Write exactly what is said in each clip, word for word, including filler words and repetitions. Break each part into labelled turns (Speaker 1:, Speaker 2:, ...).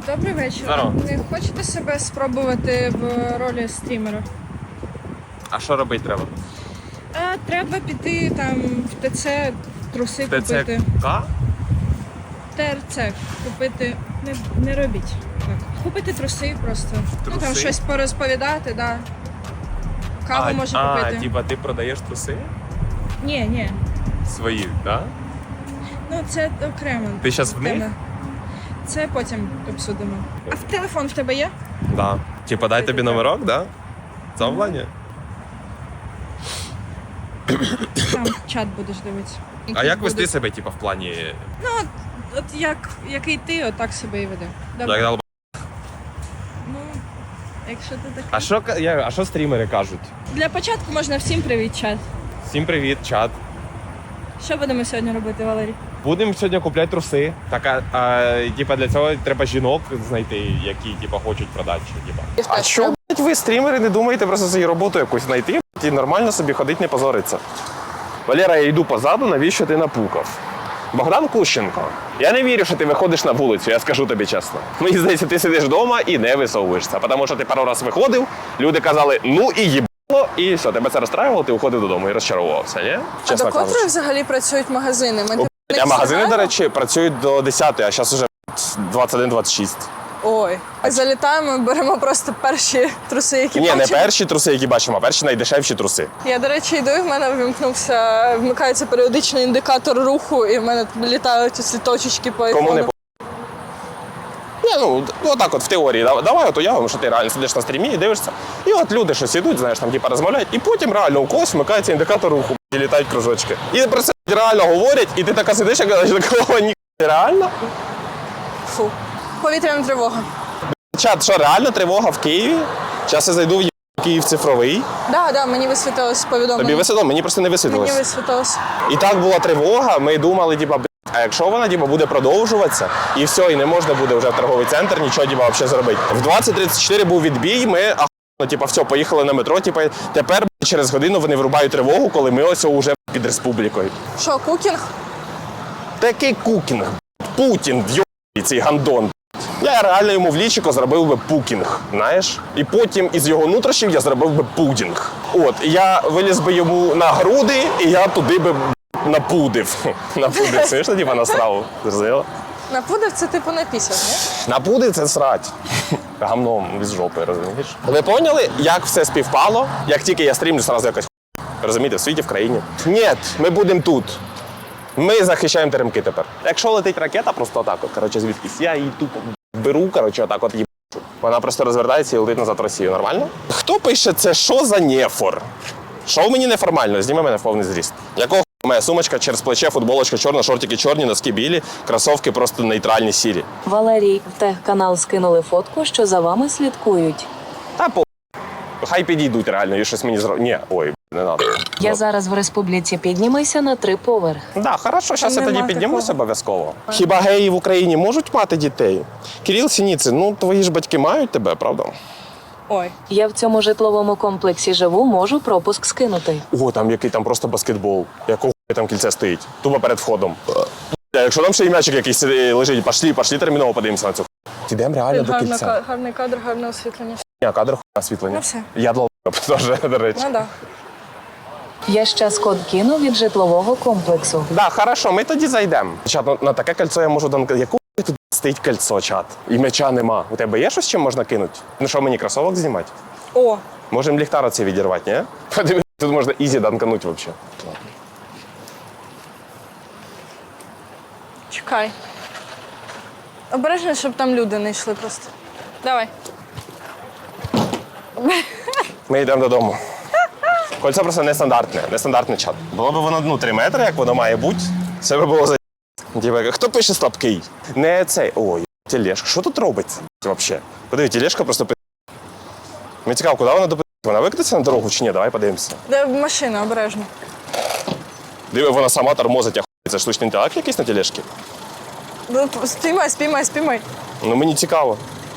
Speaker 1: Добрий вечір.
Speaker 2: Здорово.
Speaker 1: Не хочете себе спробувати в ролі стрімера?
Speaker 2: А що робити треба?
Speaker 1: А, треба піти там в ТЦ труси
Speaker 2: ТЦК?
Speaker 1: купити. ТРЦ купити. Не, не робіть так. Купити труси просто. Ну там
Speaker 2: Труси?
Speaker 1: щось порозповідати, да. Каву
Speaker 2: а,
Speaker 1: може
Speaker 2: а,
Speaker 1: купити.
Speaker 2: типа ти продаєш труси?
Speaker 1: Ні, ні.
Speaker 2: Свої, так? Да?
Speaker 1: Ну це окремо.
Speaker 2: Ти зараз в них?
Speaker 1: тема. Це потім обсудимо. А в телефон в тебе є?
Speaker 2: Да. Типа дай тобі номерок, да? Замовлення?
Speaker 1: Там чат будеш дивитися.
Speaker 2: А як вести себе, типа, в плані...
Speaker 1: Ну, от, от як, який ти, от так себе і веде. Добре.
Speaker 2: Як долб-
Speaker 1: Ну, якщо ти такий.
Speaker 2: А що, ка- я- а що стрімери кажуть?
Speaker 1: Для початку можна всім привіт, чат.
Speaker 2: Всім привіт, чат.
Speaker 1: Що будемо сьогодні робити, Валерій?
Speaker 2: Будемо сьогодні купляти труси. Так, а, а типа, для цього треба жінок знайти, які типа, хочуть продати. Типа. А що, блядь, ви стрімери не думаєте просто свою роботу якусь знайти блядь, і нормально собі ходити, не позориться? Валера, я йду позаду, навіщо ти напукав? Богдан Кущенко, я не вірю, що ти виходиш на вулицю, я скажу тобі чесно. Мені здається, ти сидиш вдома і не висовуєшся, тому що ти пару раз виходив, люди казали, ну і їбало, і все, тебе це розстраювало, ти уходив додому і розчаровувався, ні?
Speaker 1: А до котрої взагалі працюють магазини? Ми
Speaker 2: А магазини, до речі, працюють до десятої, а зараз вже двадцять один двадцять шість.
Speaker 1: Ой, залітаємо, беремо просто перші труси, які
Speaker 2: Ні, не
Speaker 1: бачимо.
Speaker 2: перші труси, які бачимо, а перші найдешевші труси.
Speaker 1: Я, до речі, йду, і в мене вимкнувся, вмикається періодичний індикатор руху, і в мене літають ці точечки по айфону.
Speaker 2: Кому не по... Ні, ну, отак от в теорії. Давай, давай от уявимо, що ти реально сидиш на стрімі і дивишся. І от люди щось ідуть, знаєш, там типа розмовляють, і потім реально у когось вмикається індикатор руху і літають кружочки. І про це реально говорять, і ти така сидиш, як такого ні реально.
Speaker 1: Фу. Повітряна тривога.
Speaker 2: Чат, що реально тривога в Києві? Зараз я зайду в Київ цифровий.
Speaker 1: Да, да, мені висвітилось повідомлення.
Speaker 2: Тобі висвітло, мені просто не висвітлилось.
Speaker 1: Мені висвітилось.
Speaker 2: І так була тривога, ми думали, типа, а якщо вона типа, буде продовжуватися, і все, і не можна буде вже в торговий центр нічого типа, взагалі зробити. В двадцять тридцять чотири був відбій, ми ахуєнно, типа, все, поїхали на метро, типа, тепер через годину вони вирубають тривогу, коли ми ось вже під республікою.
Speaker 1: Що, кукінг?
Speaker 2: Такий кукінг, Путін, йобаний цей гандон. Я реально йому в лічико зробив би пукінг, знаєш? І потім із його нутрощів я зробив би пудінг. От, я виліз би йому на груди, і я туди би напудив. Напудив, це ж типа на страву. Зрозуміло?
Speaker 1: Напудив це типу напісяв, ні?
Speaker 2: Напудив це срать. Гамном з жопи, розумієш? Ви поняли, як все співпало? Як тільки я стрімлю, одразу якась хуйня. Розумієте, в світі, в країні. Ні, ми будемо тут. Ми захищаємо теремки тепер. Якщо летить ракета, просто отак от, коротше, звідкись, я її тупо беру, коротше, отак от їбачу. Вона просто розвертається і летить назад в Росію. Нормально? Хто пише це, що за нефор? Що в мені неформально? Зніми мене в повний зріст. Якого моя сумочка через плече, футболочка чорна, шортики чорні, носки білі, кросовки просто нейтральні сірі.
Speaker 3: Валерій, в тех-канал скинули фотку, що за вами слідкують.
Speaker 2: Та по хай підійдуть реально, і щось мені зро... Ні, ой, не надо.
Speaker 3: Я зараз в республіці, піднімайся на три поверхи.
Speaker 2: Да, хорошо, зараз я
Speaker 1: Нема
Speaker 2: тоді піднімусь
Speaker 1: такого.
Speaker 2: обов'язково. Хіба геї в Україні можуть мати дітей? Кирил Сініцин, ну твої ж батьки мають тебе, правда?
Speaker 1: Ой.
Speaker 3: Я в цьому житловому комплексі живу, можу пропуск скинути.
Speaker 2: О, там який там просто баскетбол. Якого там кільце стоїть? Тупо перед входом. Бля, якщо там ще і м'ячик якийсь лежить, пошлі, пошлі терміново подивимося на цю. Ідемо реально до
Speaker 1: Гарна,
Speaker 2: кільця.
Speaker 1: ка- гарний кадр, гарне освітлення.
Speaker 2: Ні, кадр хуйня освітлення.
Speaker 1: Ну все.
Speaker 2: Я долб теж, до речі.
Speaker 1: Ну да.
Speaker 3: Я щас код кину від житлового комплексу.
Speaker 2: Да, хорошо, ми тоді зайдемо. Чат, ну, на таке кольцо я можу данкати. Яку тут стоїть кольцо, чат? І м'яча нема. У тебе є щось, чим можна кинути? Ну що, мені кросовок знімати?
Speaker 1: О,
Speaker 2: Можемо ліхтар оцей відірвати, ні? Подивись, тут можна ізі данкануть взагалі.
Speaker 1: чекай. Обережно, щоб там люди не йшли просто. Давай.
Speaker 2: Ми йдемо додому. Кольцо просто нестандартне, нестандартний чат. Було б воно ну, три метри, як воно має бути, це би було за... Діва, хто пише слабкий? Не цей. Ой, тележка. Що тут робиться взагалі? Подиви, тележка просто пи... Мені цікаво, куди вона допи... Вона викотиться на дорогу чи ні? Давай подивимося.
Speaker 1: Де машина, обережно.
Speaker 2: Диви, вона сама тормозить, а хуй. Це штучний інтелект якийсь на тележці?
Speaker 1: Ну, спіймай, спіймай, спіймай.
Speaker 2: Ну мені цікаво.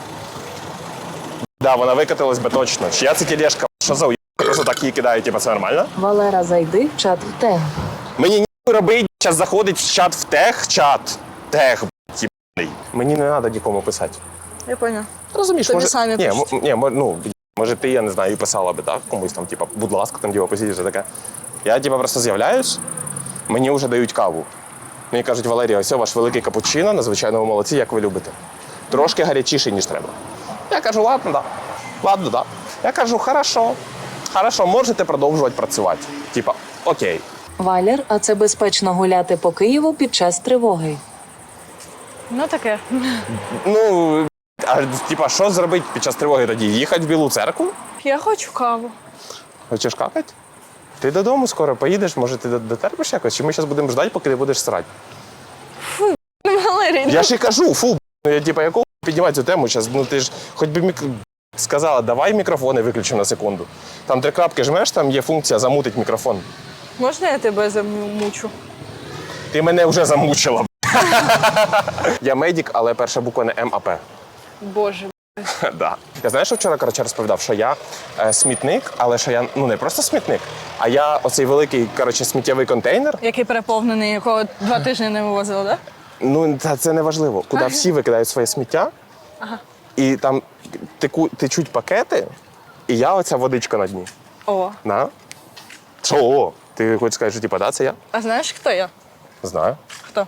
Speaker 2: Да, вона викотилась би точно. Чия це тележка? Що за уй... Просто так її кидають, типа це нормально?
Speaker 3: Валера, зайди в чат в тег.
Speaker 2: Мені ніхуй робить, зараз заходить в чат в тех, чат. Тех, б***ь, єбаний. Мені не треба нікому писати.
Speaker 1: Я поняла.
Speaker 2: Розумієш,
Speaker 1: Тобі
Speaker 2: може,
Speaker 1: самі
Speaker 2: ні,
Speaker 1: пишуть.
Speaker 2: м- ні, мо- ну, може ти, я не знаю, і писала би, так, комусь там, типа, будь ласка, там, типа, посидіть, все таке. Я, типа, просто з'являюсь, мені вже дають каву. Мені кажуть, Валерія, ось ваш великий капучино, надзвичайно ви молодці, як ви любите. Трошки гарячіший, ніж треба. Я кажу, ладно, да. Ладно, да. Я кажу, хорошо, хорошо, можете продовжувати працювати. Типа, окей.
Speaker 3: Валер, а це безпечно гуляти по Києву під час тривоги.
Speaker 1: Ну таке.
Speaker 2: Ну, а типа, що зробити під час тривоги тоді? Їхати в Білу церкву?
Speaker 1: Я хочу каву.
Speaker 2: Хочеш какати? Ти додому скоро поїдеш, може ти дотерпиш якось? Чи ми зараз будемо ждати, поки ти будеш срати?
Speaker 1: Валерій,
Speaker 2: Я ж і кажу, фу, ну я типа, якого піднімати цю тему зараз? Ну ти ж хоч би мік... сказала, давай мікрофони виключимо на секунду. Там три крапки жмеш, там є функція замутить мікрофон.
Speaker 1: можна я тебе замучу?
Speaker 2: Ти мене вже замучила. Я медик, але перша буква не М, а П.
Speaker 1: Боже.
Speaker 2: Да. Я знаєш, що вчора коротше, розповідав, що я е, смітник, але що я ну не просто смітник, а я оцей великий коротше, сміттєвий контейнер.
Speaker 1: Який переповнений, якого два тижні не вивозили, так?
Speaker 2: Ну, та це не важливо. Куди всі викидають своє сміття,
Speaker 1: Ага.
Speaker 2: і там теку, течуть пакети, і я оця водичка на дні.
Speaker 1: О.
Speaker 2: На? Що? О? Ти хочеш сказати, що типа, да, це я?
Speaker 1: А знаєш, хто я?
Speaker 2: Знаю.
Speaker 1: Хто?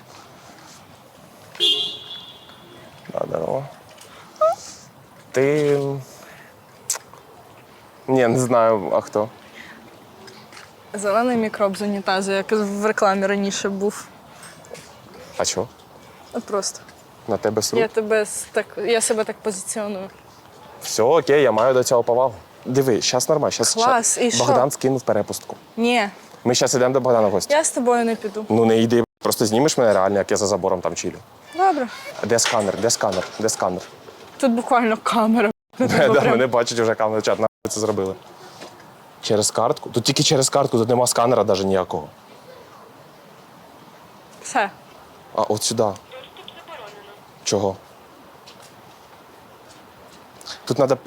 Speaker 2: Да, здорово. Ти. Ні, не знаю, а хто.
Speaker 1: Зелений мікроб з унітазу, як в рекламі раніше був.
Speaker 2: А що?
Speaker 1: От просто.
Speaker 2: На тебе сру?
Speaker 1: Я тебе с- так, я себе так позиціоную.
Speaker 2: Все, окей, я маю до цього повагу. Диви, зараз нормально. Щас,
Speaker 1: Клас,
Speaker 2: щас
Speaker 1: і що?
Speaker 2: Богдан скинув перепустку.
Speaker 1: Ні,
Speaker 2: Ми зараз йдемо до Богдана в гості.
Speaker 1: я з тобою не піду.
Speaker 2: Ну не йди, просто знімеш мене реально, як я за забором там чилю.
Speaker 1: Добре.
Speaker 2: Де сканер? Де сканер? Де сканер?
Speaker 1: Тут буквально камера.
Speaker 2: Да,
Speaker 1: Прям-
Speaker 2: мене бачать вже камера чат, нахуй це зробили. Через картку? Тут тільки через картку, тут нема сканера навіть ніякого.
Speaker 1: Все.
Speaker 2: А от сюди. Чого? Тут треба.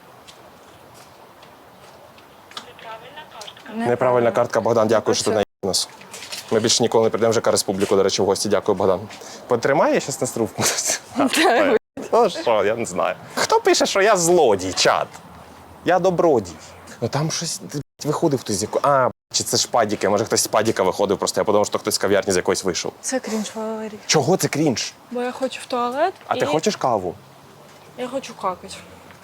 Speaker 2: Неправильна картка, Богдан, дякую, що ти наїв нас. Ми більше ніколи не прийдемо в ЖК Республіку, до речі, в гості. Дякую, Богдан. Потримай, я щас на струвку. Ну що, я не знаю. Хто пише, що я злодій, чат? Я добродій. Ну там щось виходив хтось з якої. А, чи це ж падіки? Може хтось з падіка виходив, просто я подумав, що хтось з кав'ярні з якоїсь вийшов.
Speaker 1: Це крінж, Валерій.
Speaker 2: Чого це крінж?
Speaker 1: Бо я хочу в туалет.
Speaker 2: А
Speaker 1: і...
Speaker 2: ти хочеш каву?
Speaker 1: Я хочу какати.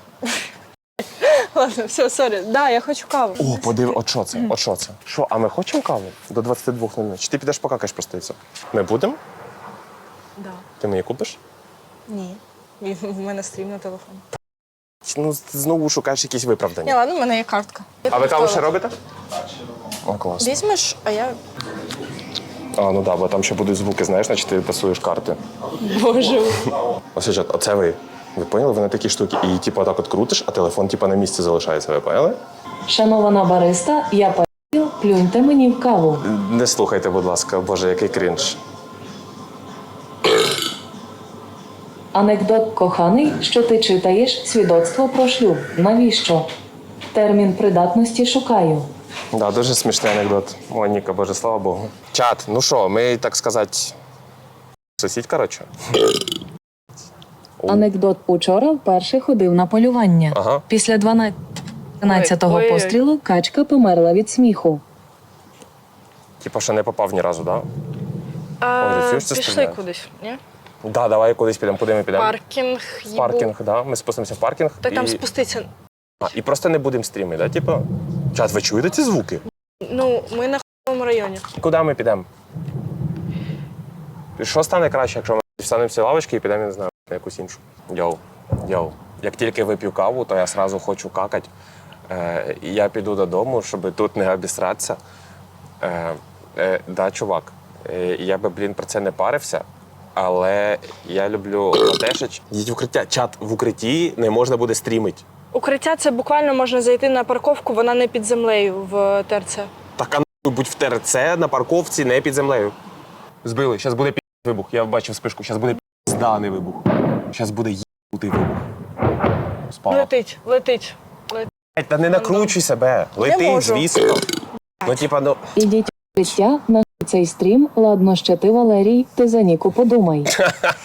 Speaker 1: Ладно, все, сорі. Да, я хочу каву.
Speaker 2: О, подиви, от що це? От що це? Що, а ми хочемо каву? До двадцяти двох нуль нуль. Чи ти підеш покакаєш просто і все? Ми будемо?
Speaker 1: Да.
Speaker 2: Ти мені купиш?
Speaker 1: Ні. І в мене стрім на телефоні.
Speaker 2: Ну, ти знову шукаєш якісь
Speaker 1: Ні,
Speaker 2: виправдання.
Speaker 1: ладно, в мене є картка.
Speaker 2: А ви каву ще робите? О, клас.
Speaker 1: Візьмеш, а я.
Speaker 2: А, ну так, да, бо там ще будуть звуки, знаєш, значить ти тасуєш карти.
Speaker 1: Боже.
Speaker 2: Ось, чат, оце ви. Ви поняли? Ви на такі штуки. І типу так от крутиш, а телефон типу на місці залишається, ви поняли?
Speaker 3: Шанована бариста, я паю, плюньте мені в каву.
Speaker 2: Не слухайте, будь ласка, боже, який крінж.
Speaker 3: Анекдот коханий, що ти читаєш свідоцтво про шлюб. Навіщо? Термін придатності шукаю.
Speaker 2: Да, дуже смішний анекдот. О, Ніка, боже, слава Богу. Чат, ну що, ми, так сказати, сусідь, коротше.
Speaker 3: Анекдот учора вперше ходив на полювання.
Speaker 2: Ага.
Speaker 3: Після дванадцятого
Speaker 1: Ой, ой, ой.
Speaker 3: пострілу качка померла від сміху.
Speaker 2: Типа, що не попав ні разу, так?
Speaker 1: А,
Speaker 2: Ой, чуєш, це
Speaker 1: пішли
Speaker 2: стріляє?
Speaker 1: кудись, ні?
Speaker 2: Да? Да, давай кудись підемо. Куди ми підемо?
Speaker 1: Паркінг,
Speaker 2: В
Speaker 1: їбу.
Speaker 2: паркінг, да. Ми спустимося в паркінг.
Speaker 1: Та там
Speaker 2: і...
Speaker 1: спуститься.
Speaker 2: А, і просто не будемо стріми, да? Типа, чат, ви чуєте ці звуки?
Speaker 1: Ну, ми на хуйовому районі.
Speaker 2: Куди ми підемо? Що стане краще, якщо ми встанемо всі лавочки і підемо, я не знаю, на якусь іншу? Йоу, йоу. Як тільки вип'ю каву, то я одразу хочу какати. Е, і я піду додому, щоб тут не обісратися. Е, е, да, чувак, е, я би, блін, про це не парився, але я люблю латешич. Їдь в укриття. Чат, в укритті не можна буде стрімити.
Speaker 1: Укриття це буквально можна зайти на парковку, вона не під землею в ТРЦ.
Speaker 2: Так, а нахуй будь в ТРЦ на парковці, не під землею. Збили, зараз буде пі*** вибух. Я бачив спишку, зараз буде пізданий вибух. Зараз буде їбутий вибух. Спала.
Speaker 1: Летить, летить.
Speaker 2: Та не накручуй себе. Летить,
Speaker 1: можу.
Speaker 2: звісно. Ну, типа, ну.
Speaker 3: Ідіть в укриття на цей стрім. Ладно, ще ти, Валерій, ти за Ніку подумай.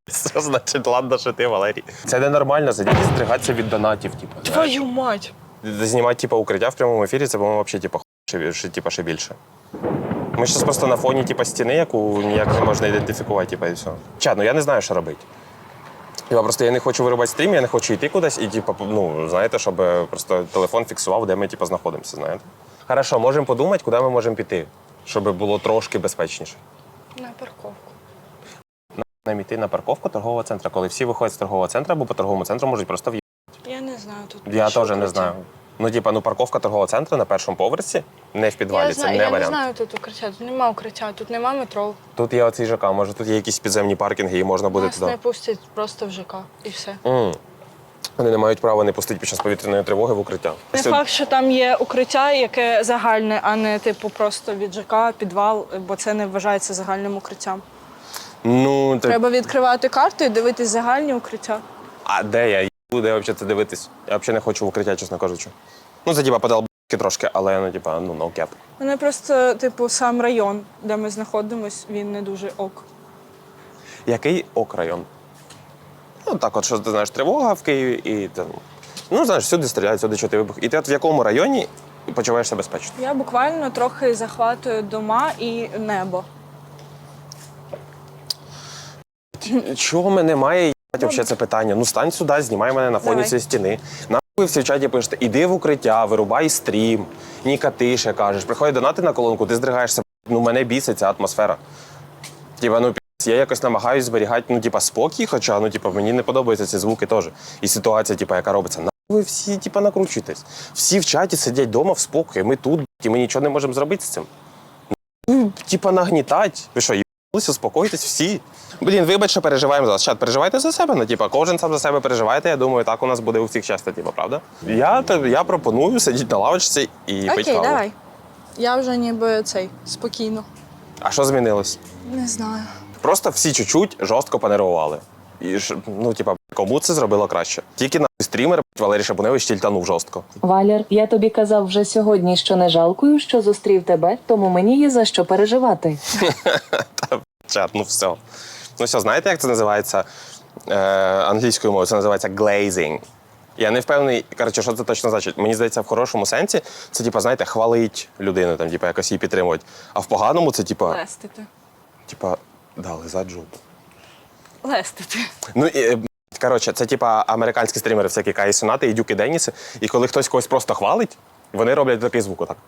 Speaker 2: Що значить, ладно, що ти, Валерій? Це ненормально, сидіти і здригатися від донатів, типу.
Speaker 1: Твою мать!
Speaker 2: Знімати, типу, укриття в прямому ефірі, це, по-моєму, взагалі, типу, ще, ще, типу, ще більше. Ми зараз просто на фоні, типу, стіни, яку ніяк не можна ідентифікувати, типу, і все. Чат, ну я не знаю, що робити. Типа, просто я не хочу вирубати стрім, я не хочу йти кудись і, типу, ну, знаєте, щоб просто телефон фіксував, де ми, типу, знаходимося, знаєте. Хорошо, можемо подумати, куди ми можемо піти, щоб було трошки безпечніше.
Speaker 1: На парковку.
Speaker 2: Нам йти на парковку торгового центру, коли всі виходять з торгового центру, або по торговому центру можуть просто в'їхати.
Speaker 1: Я не знаю тут.
Speaker 2: Я
Speaker 1: що
Speaker 2: теж не
Speaker 1: укриття.
Speaker 2: знаю. Ну, типа, ну парковка торгового центру на першому поверсі, не в підвалі,
Speaker 1: Я,
Speaker 2: це
Speaker 1: знаю,
Speaker 2: не
Speaker 1: я
Speaker 2: варіант.
Speaker 1: не знаю тут укриття, тут нема укриття, тут нема метро.
Speaker 2: Тут є оцей ЖК, може тут є якісь підземні паркінги і можна буде
Speaker 1: Нас
Speaker 2: туди.
Speaker 1: не пустять просто в ЖК і все.
Speaker 2: М. Вони не мають права не пустити під час повітряної тривоги в укриття.
Speaker 1: Не
Speaker 2: Це-
Speaker 1: факт, що там є укриття, яке загальне, а не типу просто від ЖК, підвал, бо це не вважається загальним укриттям.
Speaker 2: Ну, так...
Speaker 1: Треба відкривати карту і дивитись загальні укриття.
Speaker 2: А де я їду, де взагалі це дивитись? Я взагалі не хочу в укриття, чесно кажучи. Ну, це типа подал трошки, але ну, типа, ну, no cap.
Speaker 1: Мене просто, типу, сам район, де ми знаходимось, він не дуже ок.
Speaker 2: Який ок район? Ну, так от, що ти знаєш, тривога в Києві і там. Ну, знаєш, всюди стріляють, всюди чути вибух. І ти от в якому районі почуваєшся безпечно?
Speaker 1: Я буквально трохи захватую дома і небо.
Speaker 2: Чого мене має їбать взагалі це питання? Ну стань сюди, знімай мене на фоні
Speaker 1: Давай.
Speaker 2: цієї стіни. Нахуй ви всі в чаті пишете, іди в укриття, вирубай стрім, Ніка тише кажеш, приходять донати на колонку, ти здригаєшся. Ну мене бісить ця атмосфера. Типа, ну пі***, я якось намагаюсь зберігати, ну, типа, спокій, хоча, ну, типа, мені не подобаються ці звуки теж. І ситуація, типа, яка робиться. Нахуй ви всі, типа, накручуєтесь. Всі в чаті сидять вдома в спокої, ми тут, і ми нічого не можемо зробити з цим. Ну, типа, нагнітать. Ви що, їбалися, успокойтесь всі. Блін, вибач, що переживаємо за вас. Чат, переживайте за себе, ну, типа, кожен сам за себе переживайте, я думаю, так у нас буде у всіх щастя, типа, правда? Я, я пропоную сидіти на лавочці і пити
Speaker 1: Окей,
Speaker 2: каву.
Speaker 1: давай. Я вже ніби цей, спокійно.
Speaker 2: А що змінилось?
Speaker 1: Не знаю.
Speaker 2: Просто всі чуть-чуть жорстко понервували. І ж, ну, типа, кому це зробило краще? Тільки на стрімер Валерій Шабуневич тільтанув жорстко.
Speaker 3: Валер, я тобі казав вже сьогодні, що не жалкую, що зустрів тебе, тому мені є за що переживати.
Speaker 2: Та, чат, ну все. Ну все, знаєте, як це називається е, англійською мовою? Це називається glazing. Я не впевнений, коротше, що це точно значить. Мені здається, в хорошому сенсі це, типа, знаєте, хвалить людину, там, типа, якось її підтримувати. А в поганому це, типа,
Speaker 1: Лестити.
Speaker 2: типа, да, лизать жопу.
Speaker 1: Лестити.
Speaker 2: Ну, і, е, коротше, це типа американські стрімери, всякі Каї Сенати і Дюки Деніси. І коли хтось когось просто хвалить, вони роблять такий звук отак.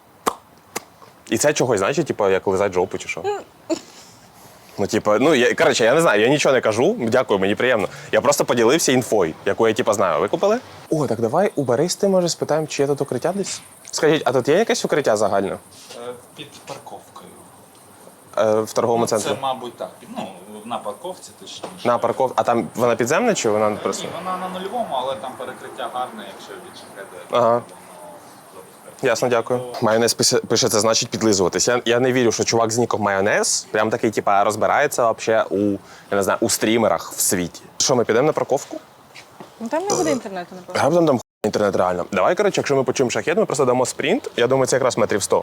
Speaker 2: І це чогось, значить, типа, як лизать жопу чи що. Ну, типа, ну, я, коротше, я не знаю, я нічого не кажу, дякую, мені приємно. Я просто поділився інфою, яку я, типа, знаю. Ви купили? О, так давай у Баристи, може, спитаємо, чи є тут укриття десь? Скажіть, а тут є якесь укриття загальне?
Speaker 4: Е, Під парковкою.
Speaker 2: Е, в торговому
Speaker 4: Ну,
Speaker 2: центрі?
Speaker 4: Це, мабуть, так. Під- Ну, на парковці точніше.
Speaker 2: На парков... А там вона підземна чи вона просто?
Speaker 4: Ні, вона на нульовому, але там перекриття гарне, якщо від шахеди.
Speaker 2: Ага. Ясно, дякую. Майонез пише, пише, це значить підлизуватись. Я, я не вірю, що чувак з ніком майонез прям такий, типа, розбирається вообще у, я не знаю, у стрімерах в світі. Що, ми підемо на парковку?
Speaker 1: Ну там не буде інтернету, напевно.
Speaker 2: Раптом там хуй інтернет реально. Давай, коротше, якщо ми почуємо шахет, ми просто дамо спринт. Я думаю, це якраз метрів сто.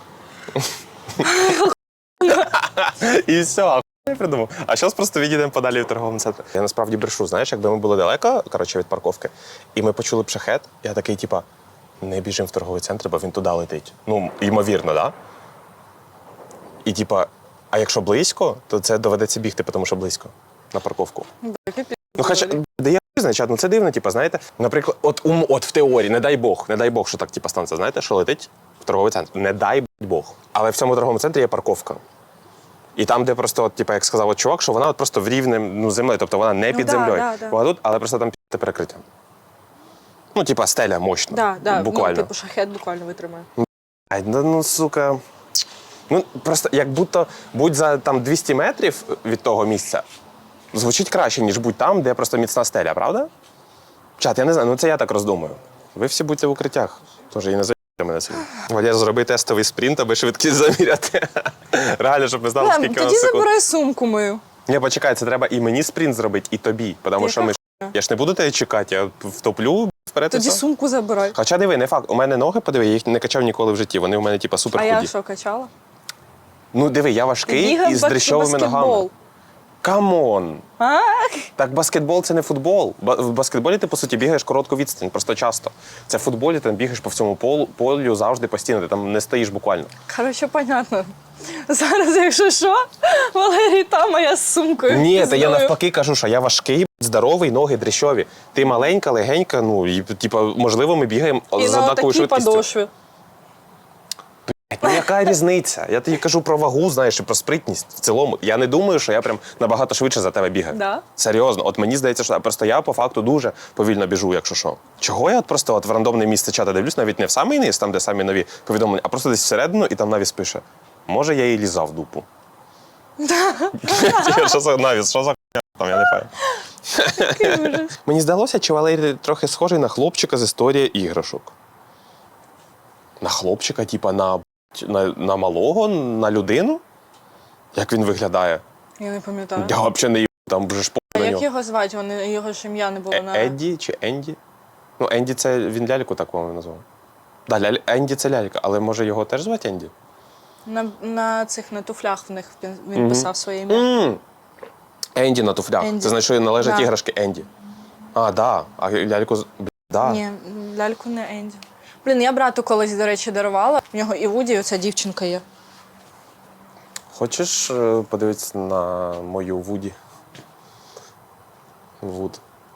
Speaker 2: І все, а хуй я придумав. А зараз просто відійдемо подалі в торговому центрі. Я насправді брешу, знаєш, якби ми були далеко, коротше, від парковки, і ми почули б шахет, я такий, типа, не біжимо в торговий центр, бо він туди летить. Ну, ймовірно, да? І типа, а якщо близько, то це доведеться бігти, тому що близько на парковку. Ну, хоча, де я значить, ну це дивно, типа, знаєте, наприклад, от, ум, от в теорії, не дай Бог, не дай Бог, що так, типа, станеться, знаєте, що летить в торговий центр. Не дай Бог. Але в цьому торговому центрі є парковка. І там, де просто, от, типа, як сказав от чувак, що вона от просто в рівнем ну, землею, тобто вона не
Speaker 1: Ну,
Speaker 2: під
Speaker 1: да,
Speaker 2: землею.
Speaker 1: да, да.
Speaker 2: Вона тут, але просто там під перекриття. Ну, типа, стеля мощна.
Speaker 1: Да, да,
Speaker 2: буквально.
Speaker 1: ну, типу шахет буквально витримає.
Speaker 2: Ай, ну, ну, сука. Ну, просто як будто будь за там двісті метрів від того місця, звучить краще, ніж будь там, де просто міцна стеля, правда? Чат, я не знаю, ну це я так роздумую. Ви всі будьте в укриттях. Тож і не заїбайте мене сьогодні. Валєр, зроби тестовий спринт, аби швидкість заміряти. Реально, щоб ми знали,
Speaker 1: Лем,
Speaker 2: скільки у
Speaker 1: тоді
Speaker 2: нас секунд.
Speaker 1: забирай сумку мою.
Speaker 2: Ні, почекай, це треба і мені спринт зробити, і тобі. Тому що ми ж... Я ж не буду тебе чекати, я втоплю вперед і
Speaker 1: Тоді
Speaker 2: все.
Speaker 1: сумку забирай.
Speaker 2: Хоча диви, не факт. У мене ноги, подиви, я їх не качав ніколи в житті. Вони у мене, типа, супер
Speaker 1: А
Speaker 2: худі.
Speaker 1: я що, качала?
Speaker 2: Ну, диви, я важкий
Speaker 1: Бігав
Speaker 2: і з
Speaker 1: в
Speaker 2: дрищовими
Speaker 1: баскетбол.
Speaker 2: ногами. Камон!
Speaker 1: А?
Speaker 2: Так баскетбол – це не футбол. Ба- В баскетболі ти, по суті, бігаєш коротку відстань, просто часто. Це в футболі ти бігаєш по всьому полу, полю завжди постійно, ти там не стоїш буквально.
Speaker 1: Коротше, понятно. Зараз, якщо що, Валерій там, а я з сумкою.
Speaker 2: Ні, та я
Speaker 1: пізною.
Speaker 2: навпаки кажу, що я важкий, здоровий, ноги дріщові. Ти маленька, легенька, ну, і, типа, можливо, ми бігаємо
Speaker 1: І
Speaker 2: з
Speaker 1: на
Speaker 2: однаковою
Speaker 1: такій
Speaker 2: швидкістю.
Speaker 1: подошві.
Speaker 2: Ну яка різниця? Я тобі кажу про вагу, знаєш, і про спритність в цілому. Я не думаю, що я прям набагато швидше за тебе бігаю.
Speaker 1: Да?
Speaker 2: Серйозно, от мені здається, що просто я по факту дуже повільно біжу, якщо що. Чого я от просто от в рандомне місце чата дивлюсь, навіть не в самий низ, там, де самі нові повідомлення, а просто десь всередину, і там навіс пише: може, я їй лізав дупу. Що за навіс? Що за хуйня там, я не пам'ятаю. Мені здалося, чи Валерій трохи схожий на хлопчика з історії іграшок. На хлопчика, типа на, на, на малого, на людину? Як він виглядає?
Speaker 1: Я не пам'ятаю.
Speaker 2: Я взагалі не їб, там вже ж
Speaker 1: А
Speaker 2: по на
Speaker 1: як
Speaker 2: нього.
Speaker 1: його звати? Вони, його ж ім'я не було
Speaker 2: Е-
Speaker 1: на...
Speaker 2: Едді чи Енді? Ну, Енді це він ляльку так, по-моєму, назвав. Да, ляль... Енді це лялька, але може його теж звати Енді?
Speaker 1: На, на цих на туфлях в них він, він писав своє ім'я.
Speaker 2: м Енді на туфлях.
Speaker 1: Енді.
Speaker 2: Це значить, що належать
Speaker 1: Да.
Speaker 2: іграшки Енді. А, да. А ляльку... з- Б, да.
Speaker 1: Ні, ляльку не Енді. Блін, я брату колись, до речі, дарувала. В нього і Вуді, і оця дівчинка є.
Speaker 2: Хочеш е, подивитися на мою Вуді? Вуд.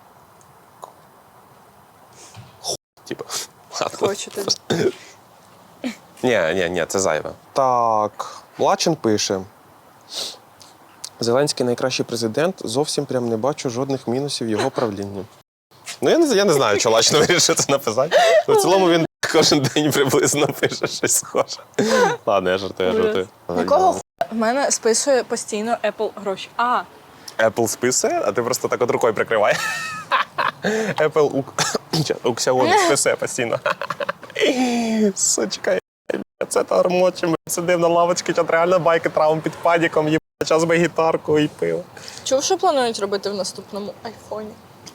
Speaker 2: Ху, типа. Ладно.
Speaker 1: Хочу тобі.
Speaker 2: Ні, ні, ні, це зайве. Так, Лачин пише. Зеленський найкращий президент, зовсім прям не бачу жодних мінусів його правління. Ну, я не, я не знаю, що Лачин вирішив це написати. Ну, в цілому він кожен день приблизно пише щось схоже. Ладно, я жартую, я жартую.
Speaker 1: Якого ху... В мене списує постійно Apple гроші. А,
Speaker 2: Apple списує, а ти просто так от рукою прикриває. Apple у... Уксіони списує постійно. Сучка, це тормочі, ми сидимо на лавочці, чат реально байки травм під падіком, їбать, час би гітарку і пиво.
Speaker 1: чув, що планують робити в наступному айфоні?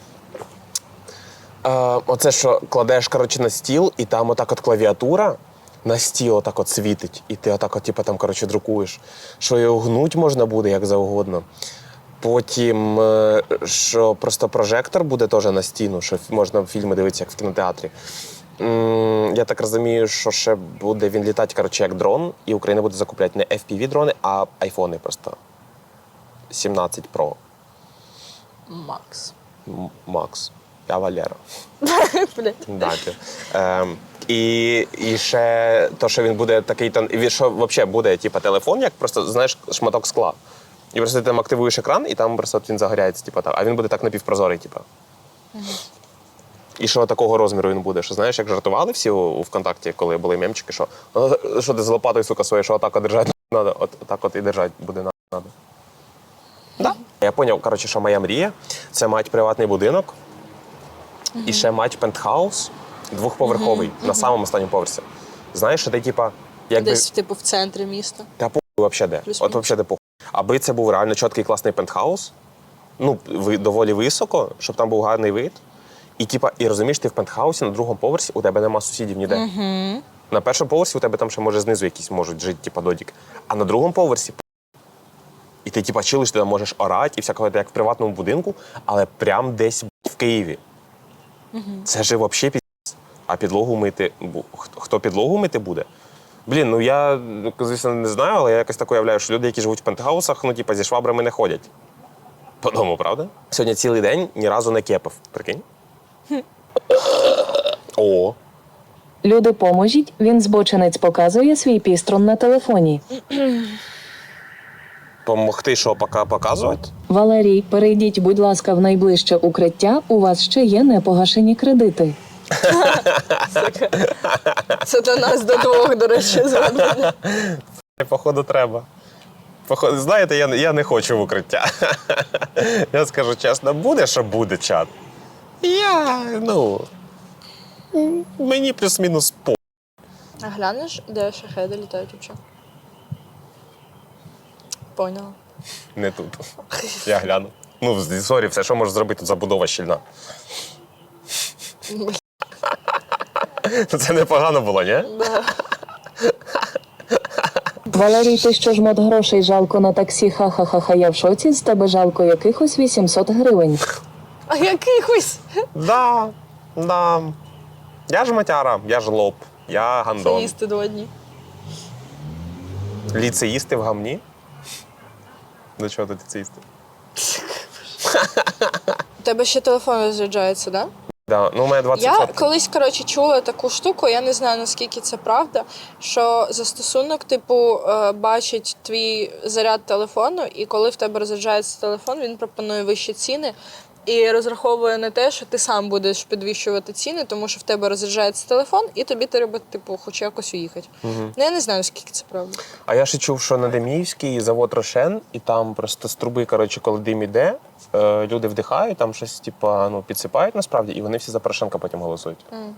Speaker 2: А, оце що кладеш, коротше, на стіл, і там отак от клавіатура на стіл отак от світить, і ти отак от, типу, там, коротше, друкуєш. Що його гнуть можна буде, як завгодно. Потім, е, що просто прожектор буде теж на стіну, що можна фільми дивитися, як в кінотеатрі. М, Я так розумію, що ще буде він літати, коротше, як дрон, і Україна буде закупляти не еф пі ві-дрони, а айфони просто. сімнадцять Pro
Speaker 1: Макс.
Speaker 2: М- Max. Я Валера.
Speaker 1: Блядь.
Speaker 2: Дати. Ем, і, і ще то, що він буде такий, тон- і він що взагалі буде, типу, телефон, як просто, знаєш, шматок скла. І просто ти там активуєш екран, і там просто от він загоряється, типу, так. А він буде так напівпрозорий, типу. І що такого розміру він буде? Що знаєш, як жартували всі у, у ВКонтакті, коли були мемчики, що «Е, що ти з лопатою, сука, своєю, що отак от держати треба, от так от і держати буде треба. Да. Я зрозумів, коротше, що моя мрія – це мати приватний будинок і ще мати пентхаус двохповерховий на самому останньому поверсі. Знаєш, що ти, типа, якби...
Speaker 1: Десь, типу, в центрі міста.
Speaker 2: Та похуй взагалі де.
Speaker 1: Плюс-мінус.
Speaker 2: От взагалі де похуй. Аби це був реально чіткий класний пентхаус, ну, ви- доволі високо, щоб там був гарний вид. І, типа, і розумієш, ти в пентхаусі на другому поверсі, у тебе нема сусідів ніде.
Speaker 1: Угу.
Speaker 2: На першому поверсі у тебе там ще, може, знизу якісь можуть жити, типа, додік. А на другому поверсі і ти, типа, чилиш, ти там можеш орати і всякого, як в приватному будинку, але прям десь в Києві. Угу. Це ж взагалі піздець. А підлогу мити, бу- хто- хто підлогу мити буде? Блін, ну я, ну, звісно, не знаю, але я якось так уявляю, що люди, які живуть в пентхаусах, ну, типа, зі швабрами не ходять. По дому, правда? Сьогодні цілий день ні разу не кепав. Прикинь? О,
Speaker 3: Люди, поможіть, він збочинець показує свій піструн на телефоні.
Speaker 2: помогти, що пока показувати?
Speaker 3: Валерій, перейдіть, будь ласка, в найближче укриття, у вас ще є непогашені кредити.
Speaker 1: Це до нас до двох, до речі, звернення.
Speaker 2: Походу, треба. Походу, знаєте, я, я не хочу в укриття. Я скажу чесно, буде, що буде, чат. Я, ну, м, мені плюс-мінус по.
Speaker 1: А глянеш, де шахеди літають взагалі? Поняла.
Speaker 2: Не тут. Я гляну. Ну, сорі, все, що можеш зробити, тут забудова щільна. Це непогано було, ні?
Speaker 1: Да.
Speaker 3: Валерій, ти що ж мод грошей жалко на таксі? Ха-ха-ха, я в шоці, з тебе жалко якихось вісімсот гривень.
Speaker 1: А якихось?
Speaker 2: Да, да. Я ж матяра, я ж лоб, я
Speaker 1: Це
Speaker 2: гандон.
Speaker 1: їсти два дні.
Speaker 2: Ліцеїсти в гамні? До чого тут ліцеїсти?
Speaker 1: У тебе ще телефон розряджається, так? Да?
Speaker 2: Да. Ну, у мене двадцять
Speaker 1: Я
Speaker 2: відсотків.
Speaker 1: колись, коротше, чула таку штуку, я не знаю, наскільки це правда, що застосунок, типу, е, бачить твій заряд телефону, і коли в тебе розряджається телефон, він пропонує вищі ціни і розраховує на те, що ти сам будеш підвищувати ціни, тому що в тебе розряджається телефон, і тобі треба, типу, хоч якось уїхати. Угу. Ну, я не знаю, наскільки це правда.
Speaker 2: А я ще чув, що на Деміївській завод Рошен, і там просто з труби, коротше, коли дим іде, е, люди вдихають, там щось, типа, ну, підсипають насправді, і вони всі за Порошенка потім голосують.
Speaker 1: Mm.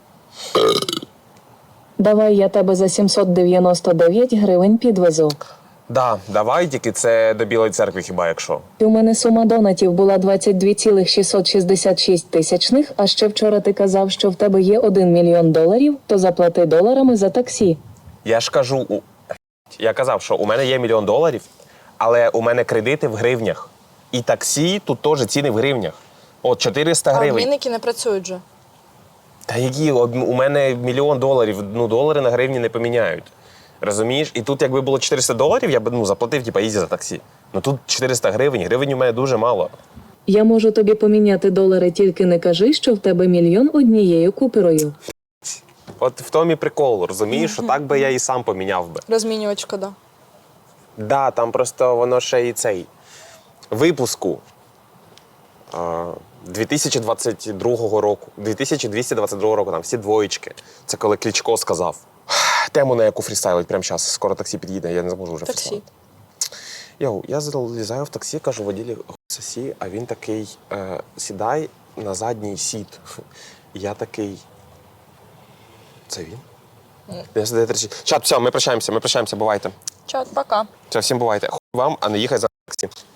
Speaker 3: Давай я тебе за сімсот дев'яносто дев'ять гривень підвезу.
Speaker 2: Да, давай, тільки це до Білої церкви хіба якщо.
Speaker 3: У мене сума донатів була двадцять дві цілих шістсот шістдесят шість тисячних, а ще вчора ти казав, що в тебе є один мільйон доларів, то заплати доларами за таксі.
Speaker 2: Я ж кажу, у... я казав, що у мене є мільйон доларів, але у мене кредити в гривнях. І таксі тут теж ціни в гривнях. От чотириста
Speaker 1: А
Speaker 2: гривень.
Speaker 1: обмінники не працюють же.
Speaker 2: Та які? У мене мільйон доларів, ну долари на гривні не поміняють. Розумієш? І тут, якби було чотириста доларів, я б ну, заплатив, типа, ізі за таксі. Ну тут чотириста гривень, гривень у мене дуже мало.
Speaker 3: Я можу тобі поміняти долари, тільки не кажи, що в тебе мільйон однією купюрою.
Speaker 2: От в тому і прикол, розумієш, що так би я і сам поміняв би.
Speaker 1: Розмінювач шкода.
Speaker 2: Да, там просто воно ще і цей випуску а, дві тисячі двадцять другого року, дві тисячі двісті двадцять другого року, там всі двоєчки. Це коли Кличко сказав. Тему, на яку фрістайлить прямо зараз, скоро таксі під'їде, я не зможу вже
Speaker 1: Таксі.
Speaker 2: фрістайлити. Йоу, я залізаю в таксі, кажу воділі сосі, а він такий, е, сідай на задній сіт. І я такий, це він? Я сидаю тричі. Чат, все, ми прощаємося, ми прощаємося, бувайте.
Speaker 1: Чат, пока.
Speaker 2: Все, всім бувайте. Хуй вам, а не їхай за таксі.